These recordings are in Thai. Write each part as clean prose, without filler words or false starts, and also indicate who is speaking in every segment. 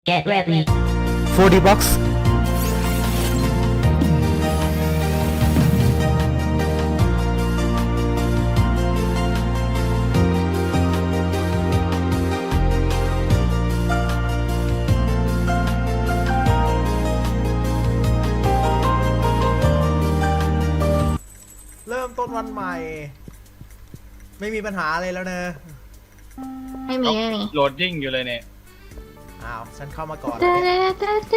Speaker 1: Get ready.
Speaker 2: 4D Box
Speaker 3: เริ่มต้นวันใหม่ ไม่มีปัญหาอะไรแล้วเนอะ
Speaker 4: ไม่มี
Speaker 5: โหลดยิ่งอยู่เลยเนี่ย
Speaker 3: อ้าวฉันเข้ามาก่อน
Speaker 4: เด
Speaker 3: แล้วเนี่ย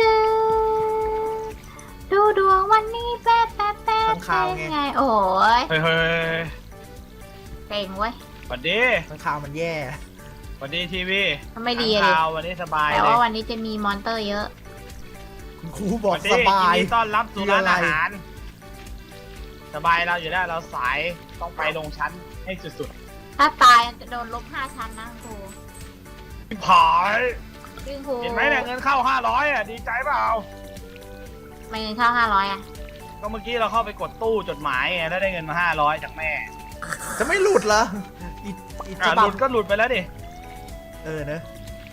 Speaker 4: ดูดวงวันนี้แป๊บแป๊บแป๊บ
Speaker 3: ข้างข่าวไง
Speaker 4: เป็นไงโอ้ย
Speaker 5: เฮ้ย
Speaker 4: เก่งเว้ย
Speaker 5: สวัสดี
Speaker 3: ข้างข่าวมันแย่
Speaker 5: สวัสดีทีวี
Speaker 4: ทำไมดีอะดิ
Speaker 5: ข่าววันนี้สบาย
Speaker 4: แต่
Speaker 5: เลย
Speaker 4: ว่าวันนี้จะมีมอนเตอร์เยอะ
Speaker 3: คุณครูบ
Speaker 5: ส
Speaker 3: อก
Speaker 5: วัสดี
Speaker 3: สบาย
Speaker 5: ยินดีต้อนรับสู่ร้าน
Speaker 3: มีอะไร
Speaker 5: อาหาร สบายเราอยู่ได้เราสายต้องไปลงชั้นให้สุด
Speaker 4: ถ้าตายจะโดนลบ5 ชั้นนะครู
Speaker 5: ๆผาย
Speaker 4: ซึ่งครู
Speaker 5: เห็นไหมเนี่ยเงินเข้า500อ่ะดีใจเปล่า
Speaker 4: ไม่เงินเข้า500อ่ะ
Speaker 5: ก็เมื่อกี้เราเข้าไปกดตู้จดหมายไงแล้วได้เงินมา500จากแม่
Speaker 3: จะไม่หลุดเหรออีฉ
Speaker 5: ห
Speaker 3: บั
Speaker 5: ลุ
Speaker 3: บ
Speaker 5: ดก็หลุดไปแล้วดิ
Speaker 3: เออเนอะ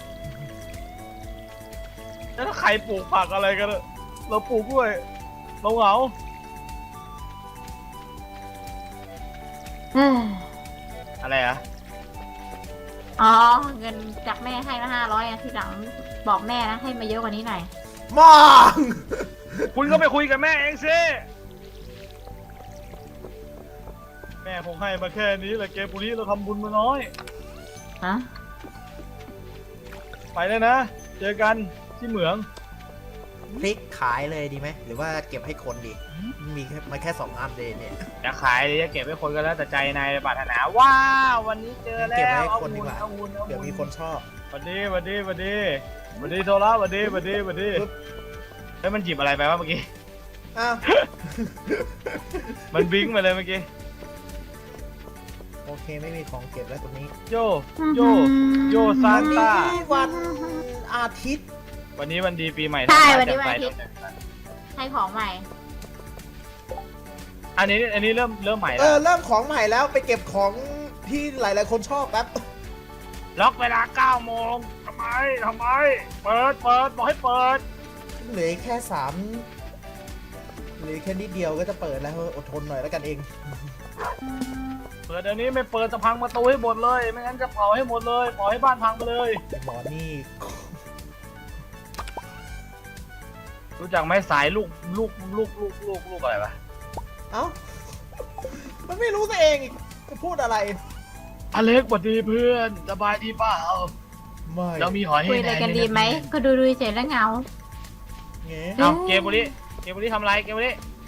Speaker 5: แล้วถ้าใครปลูกผักอะไรกันอะเราปลูกกล้วยเราเหงา
Speaker 4: เฮ้ย
Speaker 5: อะไรอ่ะ
Speaker 4: อ๋อเงินจากแม่ให้มา500อ่ะทีหลังบอกแม่นะให้มาเยอะกว่านี้หน่อย
Speaker 3: มอง
Speaker 5: คุณก็ไปคุยกับแม่เองสิแม่คงให้มาแค่นี้แหละเกมปุรีเราทำบุญมาน้อย
Speaker 4: ฮะ
Speaker 5: ไปเลยนะ เจอกันที่เหมือง
Speaker 3: พลิกขายเลยดีไหมหรือว่าเก็บให้คนดีมีแค่มาแค่2 อันเลยเนี่ย
Speaker 5: จะขายหรือจะเก็บไว้คนก็แล้วแต่ใจนายปรารถนาว้าววันนี้เจอแล้
Speaker 3: เก็บไว้
Speaker 5: ว
Speaker 3: ให้คนดีกว่า
Speaker 5: เอาวุ้น
Speaker 3: เดี๋ยวมีคนชอบ
Speaker 5: สวัสดีสวัสดีสวัสดีสวัสดีโทรละสวัสดีสวัสดีสวัสดี
Speaker 3: ปึ๊บ
Speaker 5: เฮ้ยมันหยิบอะไรไปวะเมื่อกี้
Speaker 3: อ้าว
Speaker 5: มันบิงไปเลยเมื่อกี้
Speaker 3: โอเคไม่มีของเก็บแล้วตรงนี้
Speaker 5: โยโยโยซานต้า
Speaker 3: วันนี้วันอาทิตย์
Speaker 5: วันนี้วันดีปีใหม่
Speaker 4: ใช่
Speaker 5: ทั้ง
Speaker 4: วันนี้
Speaker 5: แต่
Speaker 4: วันอาทิตย์ ให้ของใหม่
Speaker 5: อันนี้เริ่มใหม่
Speaker 3: เอ
Speaker 5: แล้ว
Speaker 3: อเริ่มของใหม่แล้วไปเก็บของที่หลายๆคนชอบแป๊บ
Speaker 5: ล็อกเวลา9 โมงทำไมเปิดบอกให้เปิด
Speaker 3: เหลือแค่เหลือแค่นิดเดียวก็จะเปิดแล้วอดทนหน่อยแล้วกันเอง
Speaker 5: เปิดเดี๋ยวนี้ไม่เปิดจะพังประตูให้หมดเลยไม่งั้นจะเผาให้หมดเลยเผาให้บ้านพังไปเลย
Speaker 3: ไอ้หมอนี่
Speaker 5: รู้จักไหมสายลูกอะไรปะ
Speaker 3: เอ้ามันไม่รู้ตัวเองอีกจะพูดอะไร
Speaker 5: อเล็กสวัสดีเพื่อนสบายดีเปล่า
Speaker 3: ไม่
Speaker 5: เรามีหอยให้
Speaker 4: คุยอะไรกันดีไหม ก็ดูเฉยแล้วเหงา
Speaker 3: เงี้
Speaker 5: เอาเกมบุรีทำอะไรเกมบุรี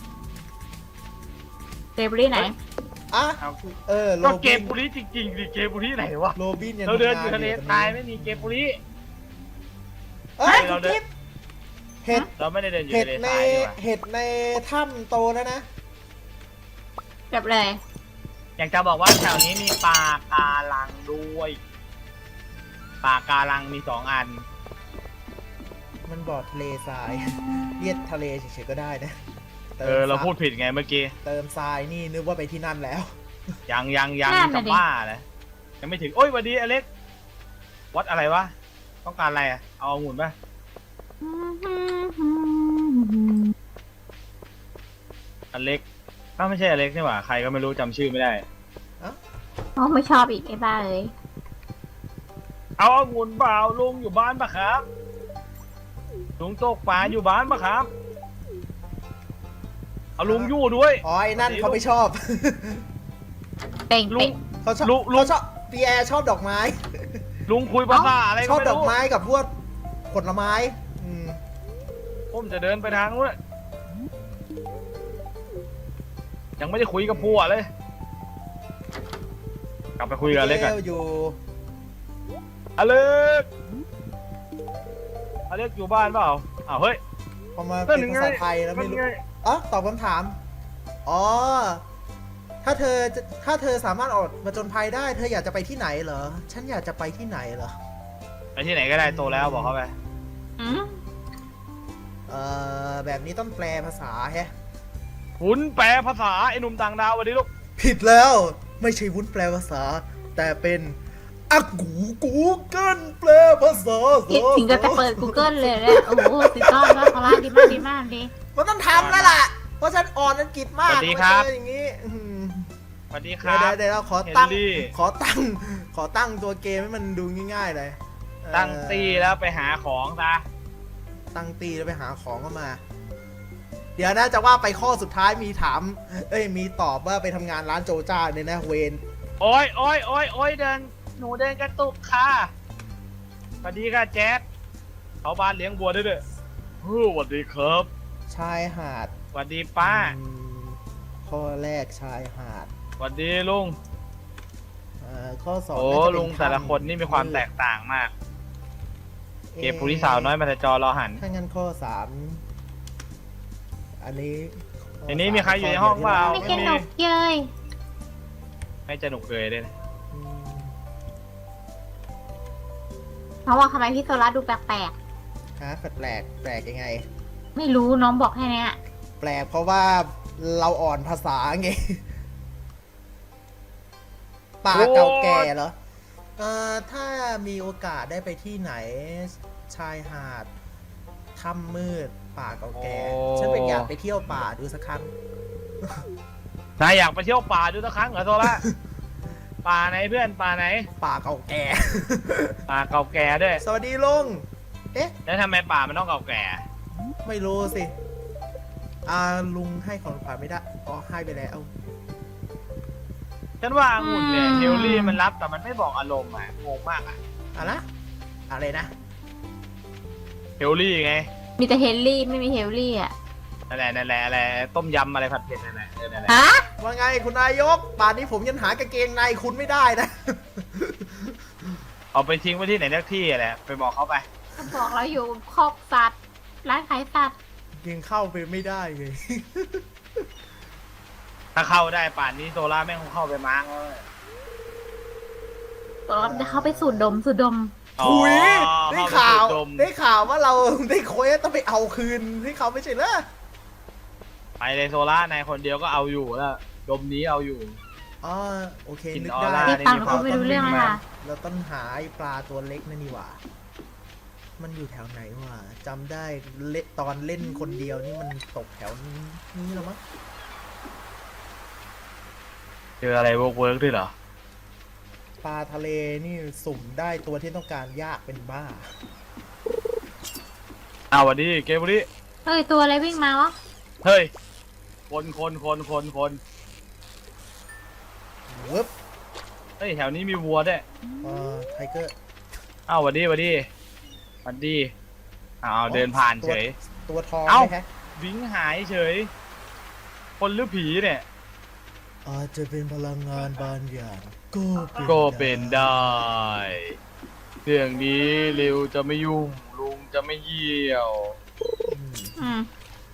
Speaker 4: เดบรี่ไหน
Speaker 3: อ่ะ
Speaker 5: เอา
Speaker 3: โร
Speaker 5: ก็เก
Speaker 3: บิ
Speaker 5: ม
Speaker 3: น
Speaker 5: บุรีจริงๆดิเกมบุรีไหนวะ
Speaker 3: โรบินยัง
Speaker 5: เราเดินอ
Speaker 3: ทำ
Speaker 5: ยู่
Speaker 3: ง
Speaker 5: ทะเล
Speaker 3: ตรงนี้
Speaker 5: ตายไม่มีเกมบุรี
Speaker 3: เอ้ย
Speaker 5: เราเดิน
Speaker 3: เห็ด
Speaker 5: เราไม่ได้เดินอยู่
Speaker 3: เห็ด
Speaker 5: ทะเล
Speaker 3: ใน
Speaker 5: ทรายดีกว่า
Speaker 3: เห็ดในถ้ำโตแล้วนะ
Speaker 4: เก็บเลย
Speaker 5: อยากจะบอกว่าแถวนี้มีปลาการังด้วยปลาการังมี2 อัน
Speaker 3: มันบอดทะเลทราย เรียกทะเลเฉยๆก็ได้นะติม
Speaker 5: เราพูดผิดไงเมื่อกี้
Speaker 3: เติมทรายนี่นึกว่าไปที่นั่นแล้ว
Speaker 5: ยัง
Speaker 4: นั่นน่ะ
Speaker 5: จะ
Speaker 4: ดิ
Speaker 5: บ้านะยังไม่ถึงโอ้ยสวัสดีอเล็กวัดอะไรวะต้องการอะไรอ่ะเอาองุ่นป่ะอเล็กไม่ใช่อเล็กนี่หว่าใครก็ไม่รู้จำชื่อไม่ได้
Speaker 4: อ๋อไม่ชอบอีกไอ้บ้าเอ้ย
Speaker 5: เอาองุ่นเปล่าลุงอยู่บ้านปะครับลุงตกปลาอยู่บ้านปะครับเอาลุงยู่ด้วย
Speaker 3: อ๋อไอ้นั่นเขาไม่ชอบ
Speaker 4: เป่ง
Speaker 5: ลุ
Speaker 4: เป่
Speaker 5: ง
Speaker 4: ง
Speaker 3: เขาชอบ
Speaker 5: ลุง
Speaker 3: เขาชอบพีแอร์ชอบดอกไม้
Speaker 5: ลุงคุยภาษาอะไร
Speaker 3: ช
Speaker 5: ก็
Speaker 3: อบ
Speaker 5: ไม่
Speaker 3: ดอก
Speaker 5: รู้
Speaker 3: ไม้กับพวกผลไม้อืม
Speaker 5: ผมจะเดินไปทางนู้นยังไม่ได้คุยกับพัวเลย กลับไปคุยกับอเล็กกัน
Speaker 3: อยู่
Speaker 5: อเล็กอยู่บ้านเปล่าอ้าวเฮ้ย
Speaker 3: พอมาเป็นภาษาไทยแล้วไม่รู้
Speaker 5: นั่นไง
Speaker 3: อ๋อตอบคำถาม อ๋อ ถ้าเธอสามารถออกมาจนภัยได้ เธออยากจะไปที่ไหนเหรอ ฉันอยากจะไปที่ไหนเหรอ
Speaker 5: ไปที่ไหนก็ได้โตแล้วบอกเขาไป
Speaker 4: อืม
Speaker 3: แบบนี้ต้องแปลภาษาแฮะ
Speaker 5: หุนแปลภาษาไอ้หนุ่มต่างดาวสวัสดีลูก
Speaker 3: ผิดแล้ว ไม่ใช่วุ้นแปลภาษา แต่เป็นอ่ะกูเกิลแปลภาษา
Speaker 4: คิดถึงก็จะเปิด Google เลยเนี่ยโอ้โหสุดยอดแล้วคาร่าดีมากดีมากดี
Speaker 3: มันต้องทำแล้วล่ะ เพราะฉันอ่อนอังกฤษมาก
Speaker 5: สวัสดีครับ
Speaker 3: มาเจออย่างนี้
Speaker 5: สวัสดีครับ
Speaker 3: เดี๋ยวเราขอตั้ง
Speaker 5: เฮนรี่
Speaker 3: ขอตั้งตัวเกมให้มันดูง่ายๆเลย
Speaker 5: ตั้งตีแล้วไปหาของซะ
Speaker 3: ตั้งตีแล้วไปหาของเข้ามา เดี๋ยวนะจะว่าไปข้อสุดท้ายมีถาม มีตอบว่าไปทำงานร้านโจจ้าเนี่ยนะเวน
Speaker 5: โอ้ยเดินหนูเดินกระตุกค่ะสวัสดีค่ะแจ๊ดเขาบ้านเลี้ยงวัวด้วยด้วยสวัสดีครับ
Speaker 3: ชายหาด
Speaker 5: สวัสดีป้า
Speaker 3: ข้อแรกชายหาด
Speaker 5: สวัสดีลุง
Speaker 3: ข้อสอง
Speaker 5: โอ้
Speaker 3: น่าจะเป็น
Speaker 5: ลุงแต่ละคนนี่มีความแตกต่างมาก เก็บผู้ที่สาวน้อยมาแต่จอรอหัน
Speaker 3: ถ้างั้นข้อสามอันนี้
Speaker 5: ในนี้มีใครอยู่ในห้องเปล่า
Speaker 4: ไม่สนุกเย้ย
Speaker 5: ไม่จะหนุกเลยเลยนะ
Speaker 3: อืม
Speaker 4: น้องบอกทำไมพี่โซล่าดูแปลก
Speaker 3: ฮะแปลกยังไง
Speaker 4: ๆไม่รู้น้องบอกแค่เนี้ย
Speaker 3: แปลกเพราะว่าเราอ่อนภาษาไง ป่าเก่าแก่เหรอ ถ้ามีโอกาสได้ไปที่ไหน ชายหาดถ้ำมืด ป่าเก่าแก่ ฉันเป็นอยากไปเที่ยวป่าดูสักครั้ง
Speaker 5: นายอยากไปเที่ยวป่าดูสักครั้งเหรอโซล่า ป่าไหนเพื่อนป่าไหน
Speaker 3: ป่าเก่าแก่
Speaker 5: ป่าเก่าแก่ด้วย
Speaker 3: สวัสดีลุง เอ๊ะ
Speaker 5: แล้วทำไมป่ามันต้องเก่าแก่
Speaker 3: ไม่รู้สิ ลุงให้ของขวัญไม่ได้ อ๋อ ให้ไปแล้ว
Speaker 5: ฉันว่าองุ่นเนี่ยเฮลลี่มันรับแต่มันไม่บอกอารมณ์อ่ะงงมากอ่ะ
Speaker 3: อะไรนะ
Speaker 5: เฮลลี่ไง
Speaker 4: มีแต่เฮลลี่ไม่มีเฮลลี่อ่ะ
Speaker 5: นั่นแหละอะไรต้มยำอะไรผัดเผ็ดนั่นแหละนั่นแหละ
Speaker 4: ฮะ
Speaker 3: ว่าไงคุณนายก ป่านนี้ผมยังหากางเกงในคุณไม่ได้นะ
Speaker 5: เอาไปทิ้งไว้ที่ไหนสักที่แหละไปบอกเขาไป
Speaker 4: บอกเราอยู่คอกสัตว์ร้านขายสัตว์
Speaker 3: ยังเข้าไปไม่ได้เลย
Speaker 5: ถ้าเข้าได้ป่านนี้โซล่าแม่งคงเข้าไปม้างแล้ว
Speaker 4: ตัวเราจะเข้าไปสูดดม
Speaker 5: อ๋อ
Speaker 3: ถุยได้ข่าว
Speaker 5: เข้ไปสูดดม
Speaker 3: ได้ข่าวว่าเราได้เควสต้องไปเอาคืนที่เขาไม่ใช่เหรอ
Speaker 5: ไปเลยโซล่านายคนเดียวก็เอาอยู่แล้วดมนี้เอาอยู่
Speaker 3: อ๋อโอเค
Speaker 5: กิน
Speaker 3: นึก
Speaker 5: ออ
Speaker 3: ได้
Speaker 5: ร่า
Speaker 4: พี่ฟังเขาไม่รู้เรื่องเลยค่ะ
Speaker 3: เราต้องหาไอ้ปลาตัวเล็กนั่นนี่หว่า มันอยู่แถวไหนวะจำได้ตอนเล่นคนเดียวนี่มันตกแถวนี้หรอมั้ง
Speaker 5: เจออะไรเวิร์กด้วยเหรอ
Speaker 3: ปลาทะเลนี่สุ่มได้ตัวที่ต้องการยากเป็นบ้า
Speaker 5: อ้าวสวัสดีเกมบุรี
Speaker 4: เฮ้ย ตัวอะไรวิ่งมาวะ
Speaker 5: เฮ้ยคน
Speaker 3: เวิบ
Speaker 5: เฮ้ยแถวนี้มีวัวด้วย
Speaker 3: ไทเกอร์
Speaker 5: อ้าวสวัสดีอ้าวเดินผ่านเฉย
Speaker 3: ตัวทอง
Speaker 5: เอ้า
Speaker 3: ไหมฮะ
Speaker 5: วิ้งหายเฉย คนหรือผีเนี่ย
Speaker 3: อาจจะเป็นพลังงานบางอย่างก็
Speaker 5: ก็เป็นได้เรื่องนี้ริวจะไม่ยุ่งลุงจะไม่เยี่ยว
Speaker 4: อืม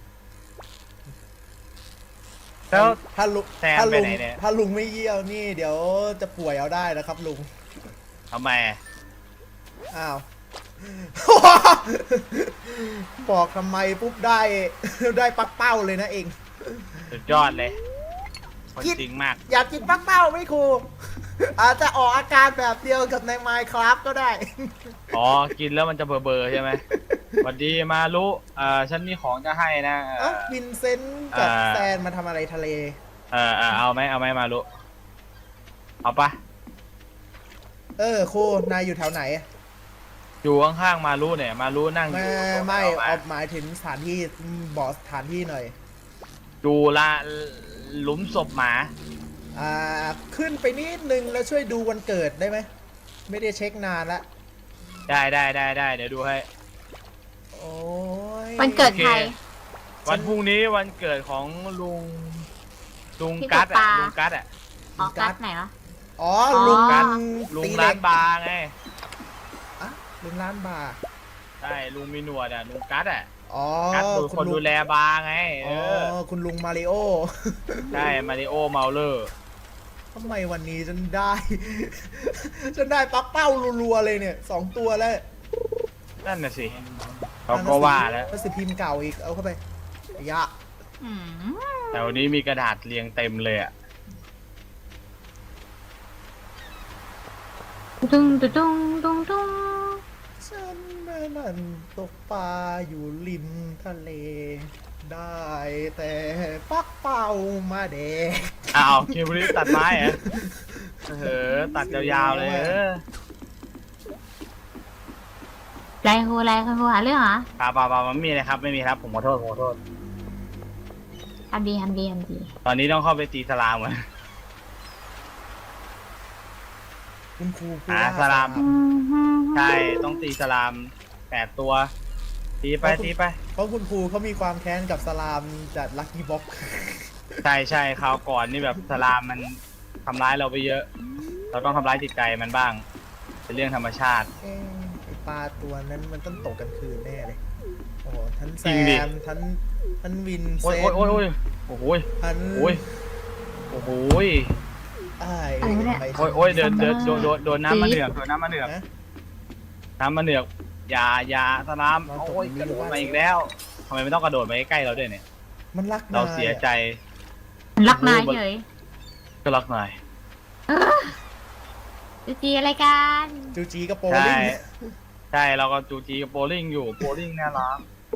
Speaker 5: แล้ว
Speaker 3: ถ้าลุง
Speaker 5: แซมไปไหนเนี่ย
Speaker 3: ถ้าลุงไม่เยี่ยวนี่ เดี๋ยวจะป่วยเอาได้นะครับลุง
Speaker 5: ทำไม
Speaker 3: อ้าว บอกทำไมปุ๊บได้ ได้ปักเป้าเลยนะเอง
Speaker 5: สุดยอดเลยคนจริงมาก
Speaker 3: อยากกินปักเป้าไหมครู อาจจะออกอาการแบบเดียวกับใน Minecraft ก็ได้
Speaker 5: อ๋อ กินแล้วมันจะเบอร์ใช่ไหมสวัสดีมารุฉันมีของจะให้นะ
Speaker 3: เอ้าวินเซนต์กับแซนมาทำอะไรทะเล
Speaker 5: เอาไหมมารุเอาปะ
Speaker 3: ครูนายอยู่แถวไหน
Speaker 5: อยู่ข้างๆมารุเนี่ย มารุนั่งอยู่
Speaker 3: ไม่
Speaker 5: เอา
Speaker 3: เอาหมายถึงสถานที่บอกสถานที่หน่อย
Speaker 5: ดูละหลุมศพหมา
Speaker 3: ขึ้นไปนิดนึงแล้วช่วยดูวันเกิดได้ไหม ไม่ได้เช็คนานละ
Speaker 5: ได้เดี๋ยวดูให้
Speaker 3: โอ้ย
Speaker 4: วันเกิดใคร
Speaker 5: วันพรุ่งนี้วันเกิดของลุง
Speaker 4: พี่
Speaker 5: กัด
Speaker 4: ตกปลา
Speaker 5: ลุงกัด
Speaker 4: อ๋อกัดไหนวะ
Speaker 3: อ๋อ
Speaker 4: อ๋อ
Speaker 3: ลุง
Speaker 5: กัด
Speaker 3: ตี
Speaker 5: ลุง
Speaker 3: เห
Speaker 5: ร้า
Speaker 3: ล็
Speaker 5: น
Speaker 3: ก
Speaker 5: บาร์ไง
Speaker 3: อ่ะลุงร้านบาร์
Speaker 5: ใช่ลุงมีหนวดลุงกัด
Speaker 3: อ๋อ
Speaker 5: กัดคือคนดูแลบาร์ไง
Speaker 3: อ๋อคุณลุงมาริโอ
Speaker 5: ใช่มาริโอเมาเลอร์
Speaker 3: ทำไมวันนี้ฉันได้ ฉันได้ปักเป้ารัวๆเลยเนี่ย2 ตัวแล้ว
Speaker 5: นั่นน่ะสิเขาก็ว่าแล้ว
Speaker 3: หนังสือพิมพ์เก่าอีกเอาเข้าไปไอ้ยะ
Speaker 4: อืม
Speaker 5: แถวนี้มีกระดาษเรียงเต็มเลย
Speaker 4: ตุ้งตุ้งตุ้งตุ้งตุ้ง
Speaker 3: ฉันนั่นตกปลาอยู่ริมทะเล ได้แต่ปักเป่ามาเด็ก
Speaker 5: อ้าวเคบุรีตัดไม้เหรอตัดยาวๆเลย
Speaker 4: ไรครูหาเรื่องเหรอ
Speaker 5: ป่ามันไม่มีเลยครับไม่มีครับผมขอโทษ
Speaker 4: ทำดี
Speaker 5: ตอนนี้ต้องเข้าไปตีสลามก่อน
Speaker 3: คุณครูพูด
Speaker 5: สลาม ใช่ต้องตีสลาม8 ตัวตีไป
Speaker 3: เพราะคุณครูเขามีความแค้นกับสลามจากลัคกี้บ็อก
Speaker 5: ใช่คราวก่อนนี่แบบสลามมันทำร้ายเราไปเยอะ เราต้องทำร้ายจิตใจมันบ้างเป็นเรื่องธรรมชาติ
Speaker 3: ไอปลาตัวนั้นมันต้องตกกันคืนแน่เลย โอ้โหทั้งแซ
Speaker 5: จริงดิ
Speaker 3: มทั้งวินเซ
Speaker 5: โอ้ย
Speaker 3: น
Speaker 5: โอ้ยโอ้โห
Speaker 3: ทั้ง
Speaker 5: โอ้ยโอ้โห
Speaker 3: อ้าย
Speaker 5: โอ้ยเดินโดนน้ำมาเหนือกน้ำมาเหนือกอย่าสลามโอ้ยกระโดดมาอีกแล้วทำไมไม่ต้องกระโดดมาใกล้ๆเราด้วยเนี่ย
Speaker 3: มันรัก
Speaker 5: เราเสียใจ
Speaker 4: รักนายเฉย
Speaker 5: ก็รักนาย
Speaker 4: จีอะไรกัน
Speaker 3: จูจีกับโป
Speaker 5: ใช่
Speaker 3: ลิ่ง
Speaker 5: ใช่เราก็จูจีกับโบลิ่งอยู่โบลิ่งน่ารัก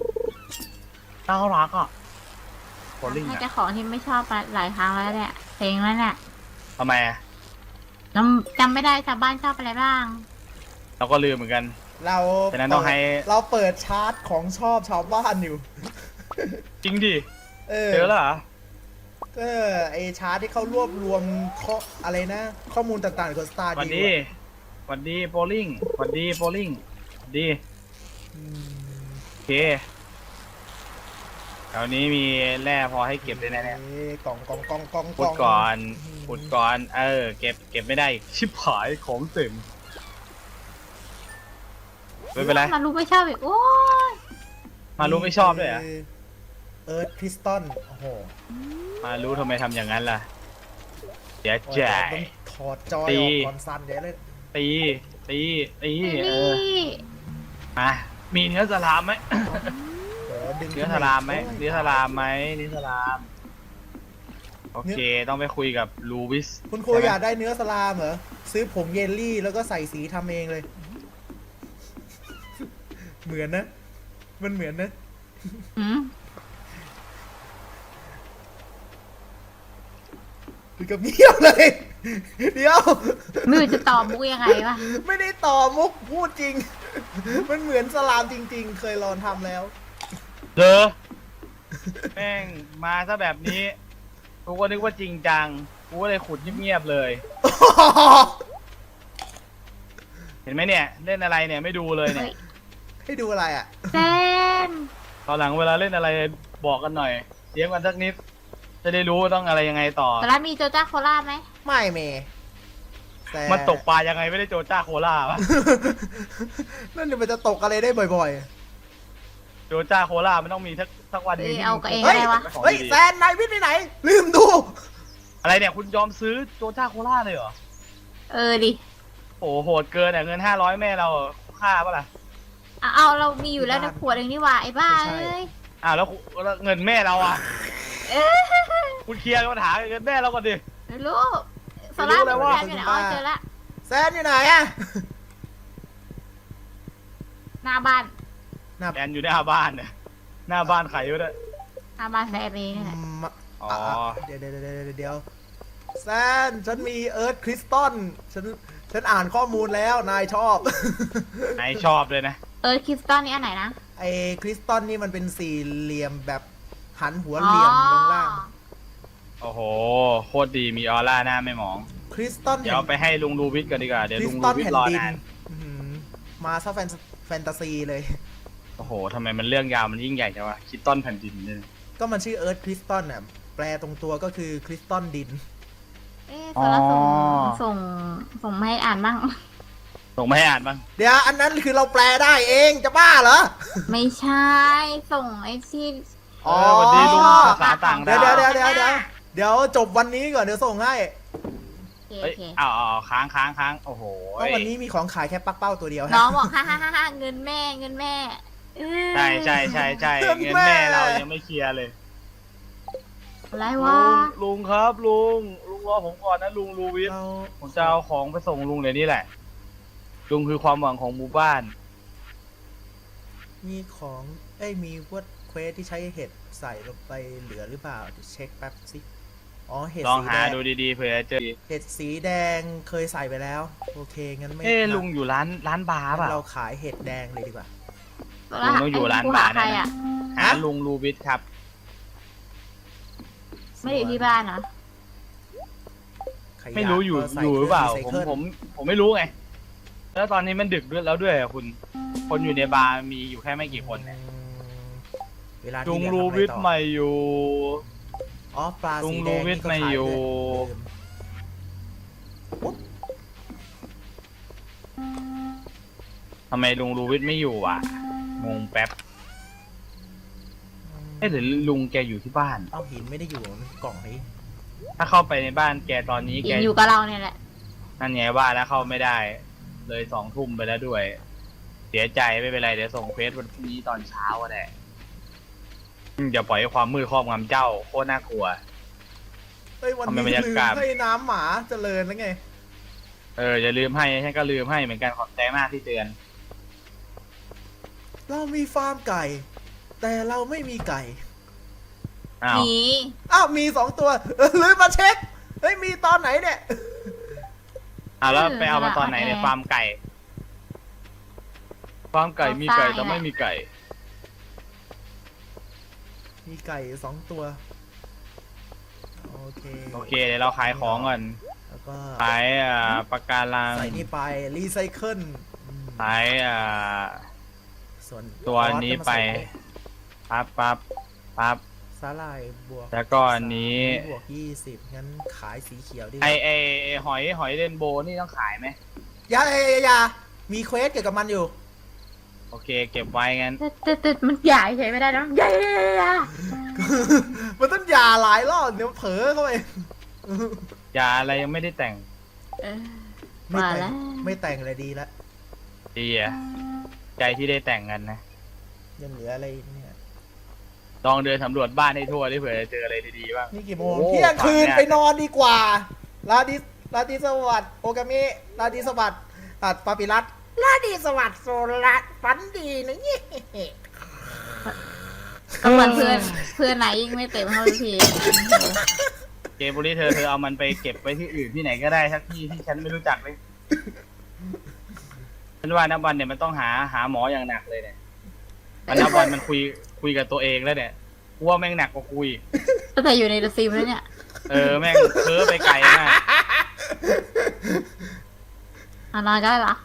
Speaker 5: อ่ะโบลิ่ง
Speaker 4: ให้
Speaker 5: อ่ะ
Speaker 4: เจ้าของที่ไม่ชอบมาหลายครั้งแล้วเนี่ยเพลงแล้วเนี่ย
Speaker 5: ทำไมอะ
Speaker 4: จำไม่ได้ชาวบ้านชอบอะไรบ้าง
Speaker 5: เราก็ลืมเหมือนกัน
Speaker 3: เรา
Speaker 5: ฉะนั้นต้องให้
Speaker 3: เราเปิดชาร์ตของชอบชาวบ้านอยู่
Speaker 5: จริงดิ
Speaker 3: เออ
Speaker 5: เจอแล้วเหรอ
Speaker 3: ก็ไอชาร์ตที่เขารวบรวมอะไรนะ ข้อมูลต่างๆของสตาร์
Speaker 5: วัน
Speaker 3: ดี
Speaker 5: ดีวันดีโบลิ่งวันดีโบลิ่งดีโอเคแถวนี้มีแร่พอให้เก็บได้แน่
Speaker 3: กล่อง
Speaker 5: ๆขุดก่อนเก็บไม่ได้อีกชิบหายของเต็มไม่เป็นไร
Speaker 4: มารู้ไม่ชอบอีกโอ้ย
Speaker 5: มารู้ไม่ชอบด้วยเหรอ่ะ
Speaker 3: เอิร์ธคริสตัลโอ้โห
Speaker 5: มารู้ทำไมทำอย่างนั้นล่ะเสียใจ
Speaker 3: ต้องถอดจอยออกก่อนสั่นเดี๋ยวเลย
Speaker 5: ตี
Speaker 4: นี่
Speaker 5: มามีเนื้อสลามไหม
Speaker 3: ดึง
Speaker 5: เนื้อสลามไหมเนื้อสลามไหมเนื้อสลามโอเคต้องไปคุยกับลูวิส
Speaker 3: คุณครูอยากได้เนื้อสลามเหรอ ซื้อผงเยลลี่แล้วก็ใส่สีทำเองเลย เหมือนนะ มันเหมือนนะ
Speaker 4: หืม
Speaker 3: ถึงกับเงียบเลย เดี๋ยว
Speaker 4: ไม่รู้จะตอบมุกยังไงวะ
Speaker 3: ไม่ได้ต่อมุกพูดจริง มันเหมือนสลามจริง ๆ เคยลองทำแล้ว
Speaker 5: เด้อแม่งมาซะแบบนี้กูก็นึกว่าจริงจังกูก็เลยขุดเงียบๆเลย เห็นไหมเนี่ย เล่นอะไรเนี่ยไม่ดูเลยเนี่ย
Speaker 3: ให้ดูอะไรอ่ะ
Speaker 4: เซน
Speaker 5: ตอนหลังเวลาเล่นอะไรบอกกันหน่อยเสียงกันสักนิด จะได้รู้ว่าต้องอะไรยังไงต่อ
Speaker 4: แต่ละมีโจจ้าโคราชไหม
Speaker 3: ไม่เมแต่
Speaker 5: มันตกปลายังไงไม่ได้โจจ้าโคล่าวะ
Speaker 3: นั่นมันจะตกอะไรได้บ่อย
Speaker 5: โจจ้าโคล่ามันต้องมีสักวันหนึงที่
Speaker 4: เอากับเอง
Speaker 3: ๆ เฮ้ย
Speaker 4: อะไรวะ
Speaker 3: เฮ้ยแซนนายวิทย์ไปไหน ลืมดู
Speaker 5: อะไรเนี่ยคุณยอมซื้อโจจ้าโคล่าเลยเหรอ
Speaker 4: ดิ
Speaker 5: โอ้โหโหดเกินอ่ะเงิน500แม่เราค่าปะล่ะ
Speaker 4: เอาเรามีอยู่แล้วนะขวดหนึ่งนี่หว่าไอ้บ้า
Speaker 3: ไม่ใช่
Speaker 4: เอ้ย
Speaker 5: อ้าวแล้วเงินแม่เราอ่ะคุณเคลียร์ปัญหาเงินแม่เราก่อนดิ
Speaker 4: ไม่รู้โซล่าเป็นแฟนอยู่ไหนอ๋อเจอละ
Speaker 3: แซนอยู่ไหนอ่ะ
Speaker 4: หน้าบ้าน
Speaker 5: แอนอยู่หน้าบ้านเนี่ยหน้าบ้านใครอยู่ด้วย
Speaker 4: หน้าบ้านแฟนเองเนี่ย
Speaker 5: อ๋อ
Speaker 3: เดี๋ยวแซนฉันมีเอิร์ธคริสตัลฉันอ่านข้อมูลแล้วนายชอบ
Speaker 5: ไหนชอบเลยนะ
Speaker 4: คริสตัลนี่อันไหนนะ
Speaker 3: ไอ้คริสตัลนี่มันเป็นสี่เหลี่ยมแบบหันหัวเหลี่ยมลงล่าง
Speaker 5: โอ้โหโคตรดีมีออร่าหน้าไม่หมอง
Speaker 3: คริสตัล
Speaker 5: เดี๋ยวเอาไปให้ลุงลูวิทก่อนดีกว่าเดี๋ยว
Speaker 3: คริ
Speaker 5: ลุ
Speaker 3: ส
Speaker 5: ง
Speaker 3: ตั
Speaker 5: ลู
Speaker 3: ล
Speaker 5: วิท
Speaker 3: แผ่น
Speaker 5: รอ
Speaker 3: ดิน
Speaker 5: นาน
Speaker 3: อื้อหือมาซะแฟนตาซีเลย
Speaker 5: โอ้โหทำไมมันเรื่องยาวมันยิ่งใหญ่จังวะคิดต้นแผ่นดินเนี่ย
Speaker 3: ก็มันชื่อเอิร์ธคริสตัลน่ะแปลตรงตัวก็คือคริสตัลดิน
Speaker 4: โซล่าส่งมาให้อ่านบ้าง
Speaker 5: ส่งมาให้อ่านบ้าง
Speaker 3: เดี๋ยวอันนั้นคือเราแปลได้เองจะบ้าเหรอ
Speaker 4: ไม่ใช่ ส่งไอ้ที่
Speaker 5: สวัสดีลุงภาษาต่าง
Speaker 3: เดี๋ย
Speaker 5: ดาว ว
Speaker 3: เดี๋ยวจบวันนี้ก่อนเดี๋ยวส่งให้
Speaker 4: โอ
Speaker 5: เฮ้ย
Speaker 4: เค
Speaker 5: เอาค้างโอ้โห
Speaker 3: เพราะวันนี้มีของขายแค่ปักเป้าตัวเดียว
Speaker 4: น้องบอกฮ่าเงินแม่
Speaker 5: ใช่เงินแม่เรายังไม่เคลียร์เลย
Speaker 4: อะไรวะ
Speaker 5: ลุงครับลุงรอผมก่อนนะลุงลูวิท
Speaker 3: เรา
Speaker 5: ผมจะเอาของไปส่งลุงเดี๋ยวนี้แหละลุงคือความหวังของหมู่บ้าน
Speaker 3: มีของมีวัดเควสที่ใช้เห็ดใส่ลงไปเหลือหรือเปล่าเดี๋ยวเช็คแป๊บสิอ๋อเห็ด
Speaker 5: ลอง
Speaker 3: สี
Speaker 5: หา
Speaker 3: แดง
Speaker 5: ดูดีๆเผื่อจะเจอ
Speaker 3: เห็ดสีแดงเคยใส่ไปแล้วโอเคงั้นไม่
Speaker 5: ลุงอยู่ร้านบาร์
Speaker 3: งั้น
Speaker 5: เปล่า
Speaker 3: เราขายเห็ดแดงเลยดีกว่า
Speaker 5: ลุงต้องอยู่ร้านบาร์
Speaker 4: ใคร
Speaker 5: แน่
Speaker 4: อ่ะ
Speaker 5: หาลุงลูบิสครับ
Speaker 4: ไม่ได้อยู่ที่บ้านเหรอ
Speaker 3: ขยะ
Speaker 5: ไม่รู้อยู่
Speaker 3: ก็ใส่
Speaker 5: อยู่หรือเปล่า
Speaker 3: คง recycle
Speaker 5: ผมไม่รู้ไง แล้วตอนนี้มันดึกด้วยแล้วด้วยอะคุณ คนอยู่ในบาร์มีอยู่แค่ไม่กี่คนเนี่ย
Speaker 3: เวลา
Speaker 5: ลุ
Speaker 3: ที่
Speaker 5: ง
Speaker 3: เหลือ
Speaker 5: ลู
Speaker 3: ทำอะไร
Speaker 5: บิส
Speaker 3: ต่อ
Speaker 5: ไม่อยู่
Speaker 3: อ๋อปลา
Speaker 5: ลุ
Speaker 3: สี
Speaker 5: ง
Speaker 3: แด
Speaker 5: ลู
Speaker 3: ง
Speaker 5: วิ
Speaker 3: นี่
Speaker 5: ท
Speaker 3: ก็
Speaker 5: ไม่
Speaker 3: ขาย
Speaker 5: อยู่
Speaker 3: ด้วย
Speaker 5: ทำไมลุงลูวิสไม่อยู่อ่ะ งงแป๊บหรือลุงแกอยู่ที่บ้าน
Speaker 3: เอาหินไม่ได้อยู่ในกล่องนี้
Speaker 5: ถ้าเข้าไปในบ้านแกตอนนี้
Speaker 4: ยิ
Speaker 5: แก
Speaker 4: งอยู่กับเราเนี่ยแหละ
Speaker 5: นั่นไงว่าแล้วเข้าไม่ได้ เลย20:00ไปแล้วด้วย เสียใจไม่เป็นไรเดี๋ยวส่งเฟซวันพรุ่งนี้ตอนเช้าก็ได้อย่าปล่อยให้ความมืดครอบงำเจ้าโคตรน่ากลัว
Speaker 3: เฮ้ยวัน
Speaker 5: ทำไม
Speaker 3: นี้
Speaker 5: บรรยา
Speaker 3: ลืม
Speaker 5: กาศ
Speaker 3: ให้น้ำหมาเจริญแล้วไง
Speaker 5: อย่าลืมให้ฉันก็ลืมให้เหมือนกันขอบใจมากที่เตือน
Speaker 3: เรามีฟาร์มไก่ แต่เราไม่มีไก่
Speaker 5: อ้าว
Speaker 4: หนี
Speaker 3: อ้าวมี2 ตัวลืมมาเช็คเฮ้ยมีตอนไหนเนี่ย
Speaker 5: แล้วไปเอามาตอนไหนเนี่ยฟาร์มไก่ฟาร์มไก่มีไก่แต่ไม่มีไก่
Speaker 3: มีไก่2 ตัวโอเค
Speaker 5: โอเคเดี๋ยวเราขายของก่อน
Speaker 3: แล้วก็
Speaker 5: ขายปากการัง
Speaker 3: ใส่นี่ไปรีไซเคิล
Speaker 5: ขาย
Speaker 3: ส่วน
Speaker 5: ตัวนี้ไป ปั๊บ
Speaker 3: สาหร่ายบวก
Speaker 5: แล้วก็อันนี้
Speaker 3: บวก20งั้นขายสีเขียวดีก
Speaker 5: ไอ
Speaker 3: ว่า
Speaker 5: ไอหอยเรนโบว์นี่ต้องขายไหม
Speaker 3: อย่ามีเควสเกี่ยวกับมันอยู่
Speaker 5: โอเค เก็บไว้งั้น
Speaker 4: แต่มันใหญ่ใช้ไม่ได้นะใหญ่
Speaker 3: มันต้องอย่าหลายรอบเดี๋ยวเผลอเข้าไป
Speaker 5: ยาอะไรยังไม่ได้แต่ง
Speaker 3: ไม่
Speaker 4: มา
Speaker 3: แต่
Speaker 4: แล้
Speaker 3: ง
Speaker 4: ว
Speaker 3: ไม่แต่งเลยดีแล้ว
Speaker 5: ดีอะใจที่ได้แต่งกันนะ
Speaker 3: ยังเหลืออะไรเนี่ย
Speaker 5: ลองเดินสำรวจบ้านให้ทั่วดิเผื่อจะเจออะไรดีๆบ้าง
Speaker 3: นี่กี่โมง
Speaker 5: โอ้
Speaker 3: เที่ยงคืน
Speaker 5: ฝันเนี่ย
Speaker 3: ไปนอนดีกว่าลาดิสวัสดิ์โอกามิลาดิสวัสดิ์ตัดปาปิรัตลาดิสวัสดิ์โซลัสฝันดีนะนี่
Speaker 4: ก็เหมือนเพื่อนไหนยิ่งไม่เต็มเท่าที
Speaker 5: เกมบุรีเธอเอามันไปเก็บไว้ที่อื่นที่ไหนก็ได้สักที่ที่ฉันไม่รู้จักเลยฉันว่านับวันเนี่ยมันต้องหาหมออย่างหนักเลยเนี่ยมันนับวันมันคุยกับตัวเองแล้วเนี่ยกูว่าแม่งหนักกว่าคุย
Speaker 4: ตั้งแต่อยู่ในเดอะซิมแล้วเนี่ย
Speaker 5: แม่งเพ้อไปไกลมาก
Speaker 4: นอนก็ได้เหรอ